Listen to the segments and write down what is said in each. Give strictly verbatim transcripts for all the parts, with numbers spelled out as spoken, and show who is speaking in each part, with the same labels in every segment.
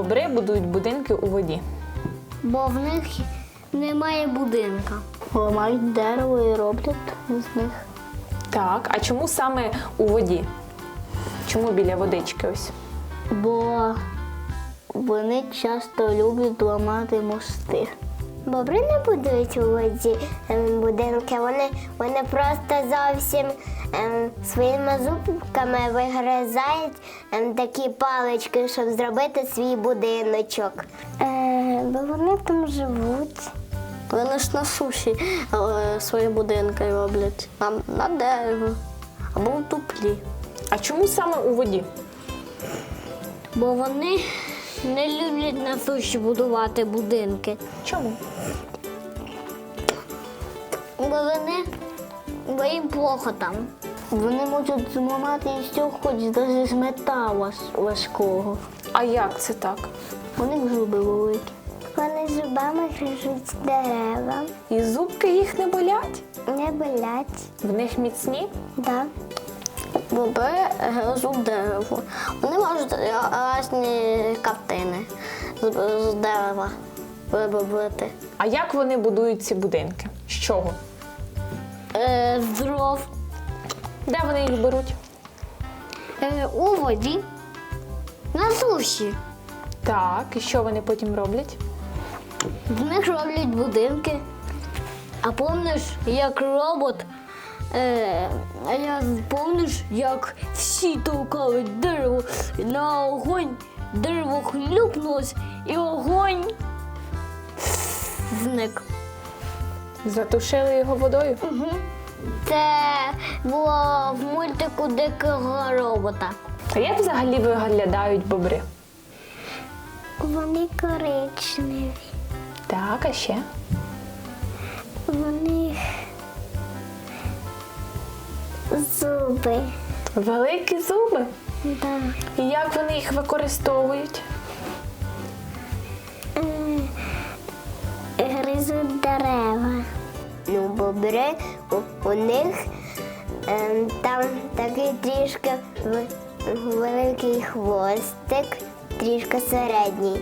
Speaker 1: бобри будують будинки у воді?
Speaker 2: Бо в них немає будинка. Ламають дерево і роблять з них.
Speaker 1: Так, а чому саме у воді? Чому біля водички ось?
Speaker 2: Бо вони часто люблять ламати мости.
Speaker 3: Бобри не будують у воді ем, будинки, вони, вони просто зовсім ем, своїми зубками вигризають ем, такі палички, щоб зробити свій будиночок. Е, бо вони там живуть.
Speaker 2: Вони ж на суші е, свої будинки роблять. На, на дерево або в дуплі.
Speaker 1: А чому саме у воді?
Speaker 2: Бо вони не люблять на суші будувати будинки.
Speaker 1: Чому?
Speaker 2: Бо вони, бо їм плохо там. Вони можуть зламати і все, хоч навіть з металу важкого.
Speaker 1: А як це так?
Speaker 2: У них зуби великі.
Speaker 3: Вони зубами грижуть дерева,
Speaker 1: І зубки їх не болять?
Speaker 3: не болять.
Speaker 1: В них міцні?
Speaker 3: Да.
Speaker 2: Бобри гризуть дерево. Вони можуть різні картини з, з дерева вибити.
Speaker 1: А як вони будують ці будинки? З чого?
Speaker 2: Е, з дров.
Speaker 1: Де вони їх беруть?
Speaker 2: Е, у воді. На суші.
Speaker 1: Так, і що вони потім роблять?
Speaker 2: В них роблять будинки. А помниш, як робот, е, а я помниш, як всі толкали дерево на огонь, дерево хлюпнулось і огонь зник.
Speaker 1: Затушили його водою?
Speaker 2: Угу. Це було в мультику Дикого робота.
Speaker 1: А як взагалі виглядають бобри?
Speaker 3: Вони коричневі.
Speaker 1: Так, а ще?
Speaker 3: Вони зуби.
Speaker 1: Великі зуби?
Speaker 3: Да.
Speaker 1: І як вони їх використовують?
Speaker 3: Е, Гризуть дерева. Ну, бобри, у, у них е, там такий трішки в- великий хвостик, трішки середній.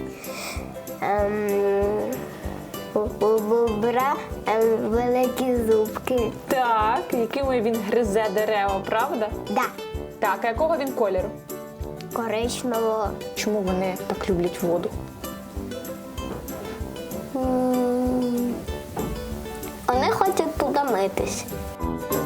Speaker 3: Ем, у, у бобра ем, великі зубки.
Speaker 1: Так, якими він гризе дерева, правда?
Speaker 3: Да,
Speaker 1: Так, а якого він кольору?
Speaker 3: коричневого.
Speaker 1: Чому вони так люблять воду?
Speaker 2: М, Вони хочуть туди митись.